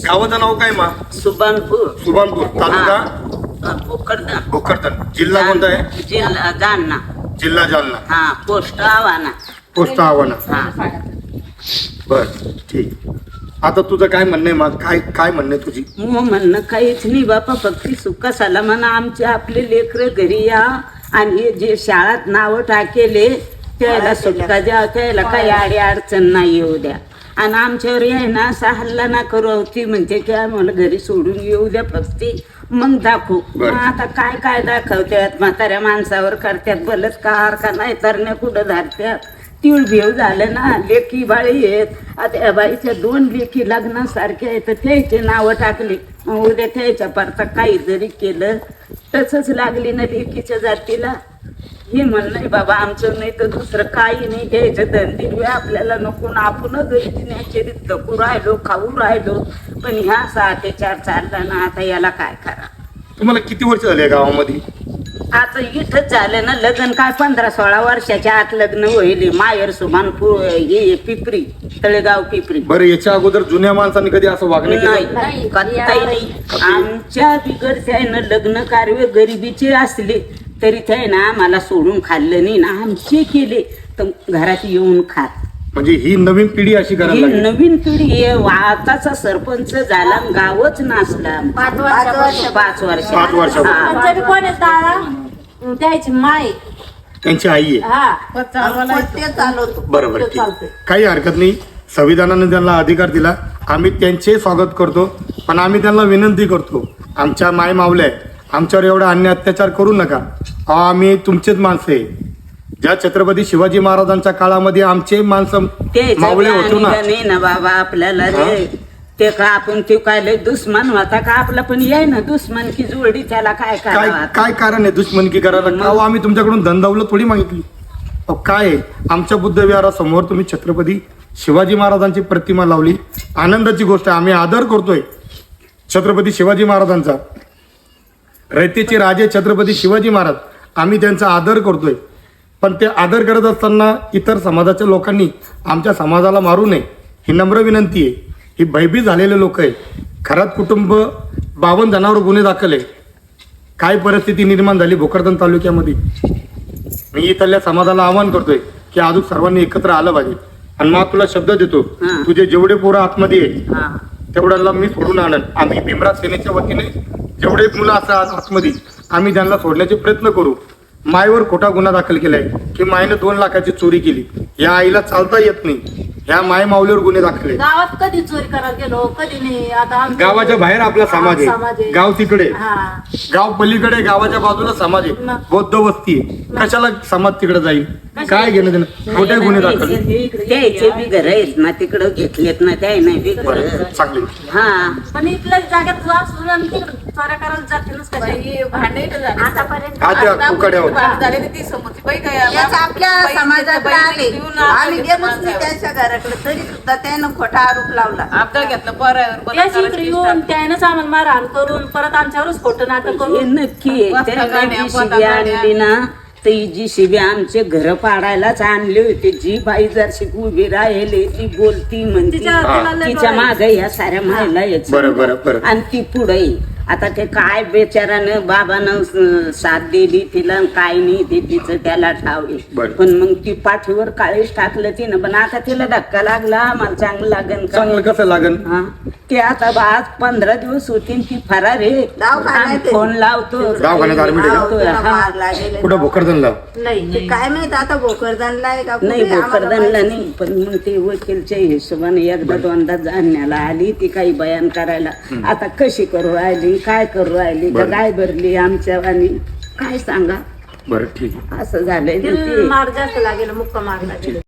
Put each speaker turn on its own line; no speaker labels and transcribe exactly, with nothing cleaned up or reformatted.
गावाचं नाव काय मा?
सुभानपूर.
सुभानपूर तालुका
भोकरदन.
भोकरदन. जिल्हा कोणता आहे?
जिल्हा जालना.
जिल्हा जालना.
हा पोस्ट आव्हाना.
पोस्ट आव्हाना.
हा
बर ठीक. आता तुझं काय म्हणणं आहे मग? काय काय म्हणणं आहे तुझी?
मग म्हणणं काहीच नाही बापा, फक्त सुका सलामाना आमचे आपले लेकरं घरी या आणि हे जे शाळात नावं टाकेले त्याला सुटका द्या, त्याला काही आडी अडचण नाही येऊ द्या. आणि आमच्यावर आहे ना असा हल्ला ना करू ती म्हणते की आम्हाला घरी सोडून येऊ द्या फक्त, मग दाखवू. मग आता काय काय दाखवतात? म्हाताऱ्या माणसावर करतात बलात्कार का नाही तर नाही कुठं धरत्यात. तीळ भेव झालं ना, लेकी बाळी आहेत. आता या बाईच्या दोन लेकी लग्नासारख्या आहेत तर त्याचे नावं टाकली, मग उद्या त्याच्या परता काही जरी केलं तसंच लागली ना लेकीच्या जातीला. हे म्हणणं आहे बाबा आमचं, नाही तर दुसरं काही नाही. घ्यायचं धंदे आपल्याला नको ना, आपण गरीबीचे धकू राहिलो, खाऊ राहिलो. पण ह्या सहा ते चार चालला ना, आता याला काय करा?
तुम्हाला किती वर्ष झाले गावामध्ये?
आता इथंच झालं ना लग्न, काय पंधरा सोळा वर्षाच्या आत लग्न होईल. माहेर सुभानपूर हे पिपरी, तळेगाव पिपरी.
बरं, याच्या अगोदर जुन्या माणसांनी कधी असं वागणं केलं?
नाही कधीही नाही. आमच्या बिगडत्यानं लग्न कार्य गरिबीचे असले तरी ते ना मला सोडून खाल्लं नाही ना, आमचे केले तर घरात येऊन खात.
म्हणजे ही नवीन पिढी अशी करायला
ही
लागली.
नवीन पिढी आहे. आताचा सरपंच झाला गावच नाचला.
पाच वर्ष
पाच वर्ष
पाच वर्षापूर्वी.
हा.
पंजाबी कोण आहे तारा? त्याची माय
त्यांची आई आहे.
हा ते चालवतो.
बरोबर
तो
ठीक.
चालतोय.
काही हरकत नाही. संविधानाने त्यांना अधिकार दिला, आम्ही त्यांचे स्वागत करतो. पण आम्ही त्यांना विनंती करतो, आमच्या माय मावल्या आहे, आमच्यावर एवढा अन्याय अत्याचार करू नका. अहो, आम्ही तुमचेच माणसं आहे. ज्या छत्रपती शिवाजी महाराजांच्या काळामध्ये आमचे माणसं मावळे होतो ना.
नाही ना बाबा आपल्याला रे, ते का आपण ते काय लय दुश्मन होता का आपला? पण याय ना दुश्मन की जोडी, त्याला काय
काय
करावं?
काय कारण आहे दुश्मनकी करायला? अहो, आम्ही तुमच्याकडून धनदौलत थोडी मागितली. अहो, काय आहे? आमच्या बुद्ध विहारासमोर तुम्ही छत्रपती शिवाजी महाराजांची प्रतिमा लावली, आनंदाची गोष्ट आहे. आम्ही आदर करतोय छत्रपती शिवाजी महाराजांचा. रयतेचे राजे छत्रपती शिवाजी महाराज, आम्ही त्यांचा आदर करतोय. पण ते आदर करत असताना इतर समाजाच्या लोकांनी आमच्या समाजाला मारू नये ही नम्र विनंती आहे. ही भयभीत झालेले लोक आहे. घरात कुटुंब बावन्न जणांवर गुन्हे दाखल आहे. काय परिस्थिती निर्माण झाली भोकरदन तालुक्यामध्ये. मी इथल्या समाजाला आवाहन करतोय की अजून सर्वांनी एकत्र आलं पाहिजे. आणि मग तुला शब्द देतो,
हा.
तुझे जेवढे पोरं आतमध्ये आहे
हा.
तेवढ्याला मी सोडून आणन. आम्ही भीमराज सेनेच्या वतीने जेवढे मुलं असतात आतमध्ये आम्ही त्यांना सोडण्याचे प्रयत्न करू. मायवर खोटा गुन्हा दाखल केलाय की मायनं दोन लाखाची चोरी केली. या आईला चालता येत नाही. ह्या माय माऊलीवर गुन्हे दाखल आहे.
गावात कधी चोरी करायला गेलो, कधी नाही. आता आमचं-
गावाच्या बाहेर आपला समाज
समाज
आहे, गाव तिकडे,
हा.
गाव पलीकडे, गावाच्या बाजूला समाज आहे,
मग.
बौद्ध वस्ती आहे. कशाला समाज तिकडे जाईल? काय घेणं देणं? खोटे गुन्हे दाखल.
त्याचे बी घर आहेत ना तिकडं घेतलेत ना, त्या नाही बी घर.
बरं, चांगले.
हा
पण इथल्या जागेत जा सोडून तिकडे चोऱ्या करायला जातीलच कशा? आतापर्यंत
हा त्या कुकड्यावर
याच आपल्या समाजात आले आम्ही गेलोच नाही त्यांच्या घराकडे, तरी सुद्धा त्यानं खोटा आरोप लावला.
आपल्याला घेतलं बरं
त्याच इकडे येऊन त्यानंच आम्हाला मारहाण करून परत आमच्यावरच खोटं नाटक
हे
करून
नक्की आहे. त्यांना जी शिबी आणली ना, तर ही जी शिबी आमचे घर पाडायलाच आणली होती. जी बाई जर शिक उभी राहिली, ती बोलती म्हणती,
तिच्या- तिला लय
तिच्या
डोळे.
मागे ह्या साऱ्या महिला यायच्या.
बरं, बरं, बरं.
आणि ती पुढे आता ते काय बेचारानं बाबानं स- साथ दिली तिला, काय नाही ते तिचं त्याला ठावे.
बरं.
पण मग ती पाठीवर काळीच टाकलं तिनं. पण आता तिला धक्का लागला, आम्हाला चांगलं लागन का?
चांगलं कसं लागन?
हा ते आता बा- आज पंधरा दिवस होती ती फरार आहे.
दवाखान्यात
आम्ही
आहे.
फोन लावतो,
दवाखान्यात admit आहे का?
लावतोय,
त्याला
हा.
मार लागेल.
कुठं भोकरदनला?
नाही
ते काय माहित आता भोकरदनला आहे का
नाही
कुठे आम्हाला
भोकरदनला
माहित
नाही. पण मग ते वकीलच्या हिशोबाने एकदा दोनदा जाणण्याला आली ती काही बयान करायला. आता कशी करू राहिली, काय करू राहिली, का
बरं.
काय भरली आमच्या आणि काय सांगा.
बरं ठीक आहे.
असं झालंय ना
तिला
ते.
मार जास्त लागेल, मुक्का मार लागेल.